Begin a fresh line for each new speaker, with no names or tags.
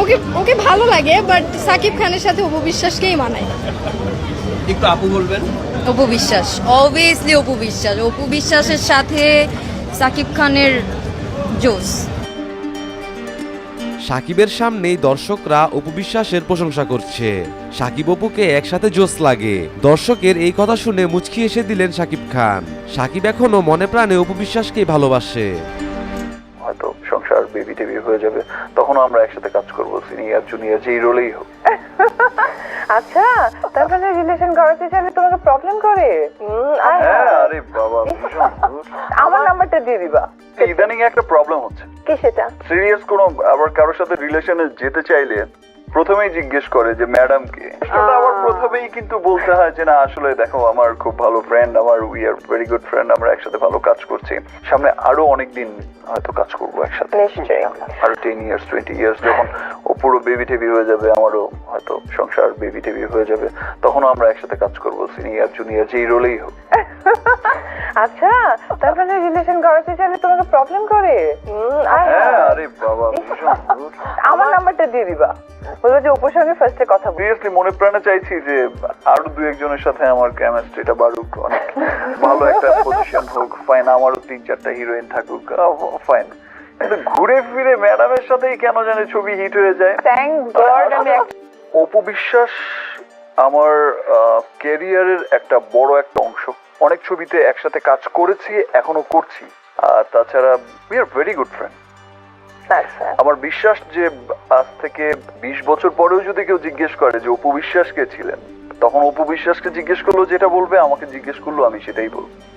ওকে ওকে ভালো লাগে, বাট সাকিব খানের সাথে অপু বিশ্বাসকেই মানায়।
একটু আপু বলবেন।
অপু বিশ্বাস, অবভিয়াসলি অপু বিশ্বাস। অপু বিশ্বাসের সাথে সাকিব খানের জোস।
সাকিবের সামনেই দর্শকরা অপু বিশ্বাসের প্রশংসা করছে। সাকিব অপুকে একসাথে জোস লাগে। দর্শকের এই কথা শুনে মুচকি এসে দিলেন সাকিব খান। সাকিব এখনো মনে প্রাণে অপু বিশ্বাসকেই ভালোবাসে।
হয়তো সংসার বেবি টেবি হয়ে যাবে, তখনও আমরা একসাথে কাজ করবো, সিনিয়র জুনিয়র যেই রোলেই হোক।
আচ্ছা, তারপরে রিলেশন করাতে চাইলে তোমাকে প্রবলেম করে?
হ্যাঁ, আরে বাবা ভীষণ।
আমার নাম্বারটা দিয়ে দিবা।
ইদানিং একটা প্রবলেম হচ্ছে।
কি সেটা?
সিরিয়াস কোনো আবার কারোর সাথে রিলেশনে যেতে চাইলে প্রথমেই জিজ্ঞেস করে যে ম্যাডাম কে। সেটা আবার প্রথমেই কিন্তু বলতে হয় যে না আসলে দেখো আমার খুব ভালো ফ্রেন্ড, আমার we are very good friend, আমরা একসাথে ভালো কাজ করছি, সামনে আরো অনেক দিন হয়তো কাজ করবো একসাথে,
নিশ্চয়ই।
আরো 10 ইয়ার্স 20 ইয়ার্স যখন ও পুরো বেবি টেবি হয়ে যাবে, আমারও হয়তো সংসার বেবি টেবি হয়ে যাবে, তখনও আমরা একসাথে কাজ করবো, সিনিয়র জুনিয়র যেই রোলেই হোক।
আচ্ছা, তারপরে রিলেশন করাতে চাইলে তোমাকে প্রবলেম করে?
হ্যাঁ, আরে বাবা ভীষণ।
আমার নাম্বারটা দিয়ে দিবা। বলবো যে অপুর সঙ্গে ফার্স্টে কথা বল।
সিরিয়াসলি মনে প্রাণে চাইছি যে আরো দু একজনের সাথে আমার কেমিস্ট্রিটা বাড়ুক, অনেক ভালো একটা পজিশন হোক, ফাইন, আমারও 3-4টা হিরোইন থাকুক, ফাইন। কিন্তু ঘুরে ফিরে ম্যাডামের সাথেই কেন জানে ছবি হিট হয়ে যায়।
থ্যাংক গড আমি
অপু বিশ্বাস আমার ক্যারিয়ারের একটা বড় একটা অংশ। অনেক ছবিতে একসাথে কাজ করেছি, এখনো করছি। আর তাছাড়া we are very good friend. আমার বিশ্বাস যে আজ থেকে 20 বছর পরেও যদি কেউ জিজ্ঞেস করে যে অপু বিশ্বাস কে ছিলেন, তখন অপু বিশ্বাসকে জিজ্ঞেস করলো যেটা বলবে, আমাকে জিজ্ঞেস করলো আমি সেটাই বলবো।